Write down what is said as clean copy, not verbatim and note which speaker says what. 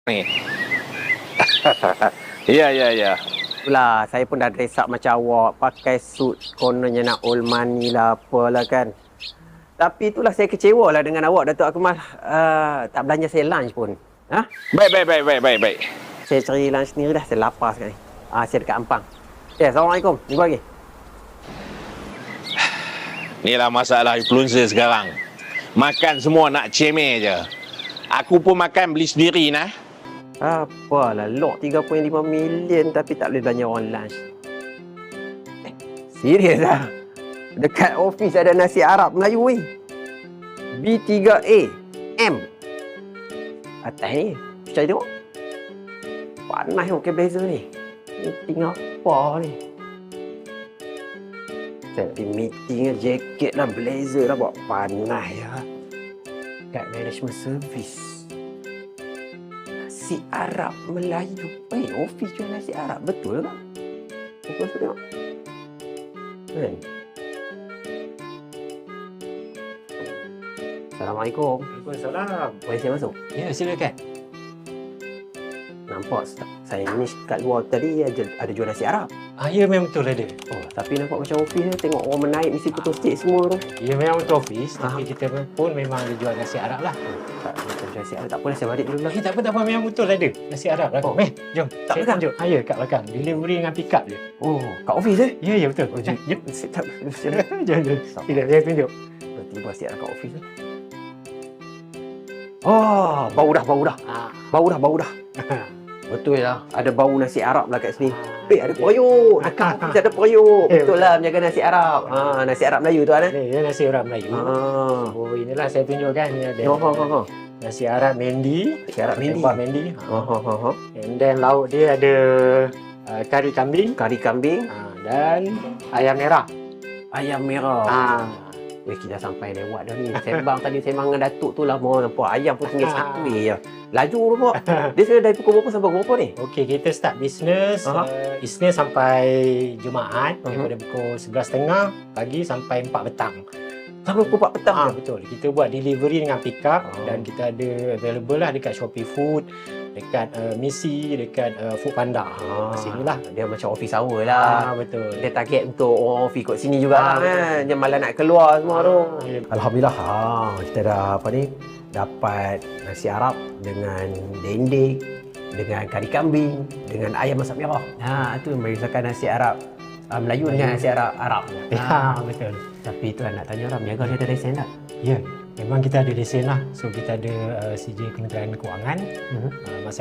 Speaker 1: Ni. Ya, ya, ya.
Speaker 2: Itulah, saya pun dah dress up macam awak, pakai suit, kononnya nak old money lah, apalah kan. Tapi itulah saya kecewa lah dengan awak, Datuk Akmal. Tak belanja saya lunch pun. Ha?
Speaker 1: Baik.
Speaker 2: Saya cari lunch sendiri dah, saya lapar sekarang ni. Saya dekat Ampang. Assalamualaikum. Jumpa lagi.
Speaker 1: Inilah masalah influencer sekarang. Makan semua nak cemeh je. Aku pun makan beli sendiri nah.
Speaker 2: Apalah, lock 3.5 million tapi tak boleh belanja orang lunch. Serius lah. Dekat office ada nasi Arab Melayu weh. B3A M. Atas ni, cari tengok. Panas tengok ke blazer ni. Meeting apa ni? Saya pergi meeting jaket lah, blazer lah, buat panas ya. Kat management service. Nasi Arab Melayu. Office jual nasi Arab. Betul tak? Pukul tu tengok. Kan? Assalamualaikum.
Speaker 3: Waalaikumsalam.
Speaker 2: Boleh saya masuk?
Speaker 3: Ya, silakan.
Speaker 2: Nampak saya ni kat luar tadi ada jual nasi Arab.
Speaker 3: Ya, memang betul ada.
Speaker 2: Oh, tapi nampak macam office ni. Tengok orang menaik mesti putus stick semua tu.
Speaker 3: Ya, memang betul office. Tapi kita pun memang ada jual nasi Arab lah.
Speaker 2: Tak macam nasi Arab. Tak apa, saya balik dulu lah.
Speaker 3: Tak apa. Memang betul ada. Nasi Arab lah.
Speaker 2: Oh.
Speaker 3: Jom.
Speaker 2: Tak
Speaker 3: Saya
Speaker 2: belakang?
Speaker 3: tunjuk. Ya, kat belakang. Delivery dengan pick up je.
Speaker 2: Oh, kat office eh?
Speaker 3: Ya, betul.
Speaker 2: Oh, jom.
Speaker 3: Jom.
Speaker 2: Tak,
Speaker 3: Jom. Tidak, saya tunjuk.
Speaker 2: tiba nasi Arab kat office ni. Oh, bau dah. Bau dah. Betul lah. Ada bau nasi Arab lah kat sini. Ada periuk. Dekat office ada periuk. Betul lah menjaga nasi Arab. Nasi Arab Melayu tu kan eh?
Speaker 3: Ni nasi Arab Melayu. Oh, inilah saya tunjukkan. Ni ada nasi Arab Mendi.
Speaker 2: Nasi Arab Mendi.
Speaker 3: Tempat Mendi. And then lauk dia ada kari kambing.
Speaker 2: Kari kambing.
Speaker 3: Dan ayam merah.
Speaker 2: Ayam merah. Weh, kita sampai lewat dah ni. Sembang tadi sembang dengan Datuk tu lah. Mau nampak ayam pun tinggal satu je. Laju nampak. Dia sudah dari pukul berapa sampai pukul berapa ni?
Speaker 3: Okey, kita start bisnes Isnin sampai Jumaat daripada pukul 11.30 pagi sampai 4 petang.
Speaker 2: Sampai pukul 4 petang.
Speaker 3: Betul. Kita buat delivery dengan pick up dan kita ada available lah dekat Shopee Food, dekat Misi, dekat Foodpanda. Sini lah.
Speaker 2: Dia macam office hour lah.
Speaker 3: Betul.
Speaker 2: Dia target untuk orang office kat sini juga kan. Dia malah nak keluar semua tu. Alhamdulillah. Kita dah dapat nasi Arab dengan dendeng, dengan kari kambing, dengan ayam masak merah. Itu yang merisaukan nasi Arab Melayu dengan nasi Arab.
Speaker 3: Betul.
Speaker 2: Tapi tu nak tanya orang, niaga dia ada lesen tak?
Speaker 3: Ya, memang kita ada lesen lah. So kita ada CJ Kementerian Kewangan. Masa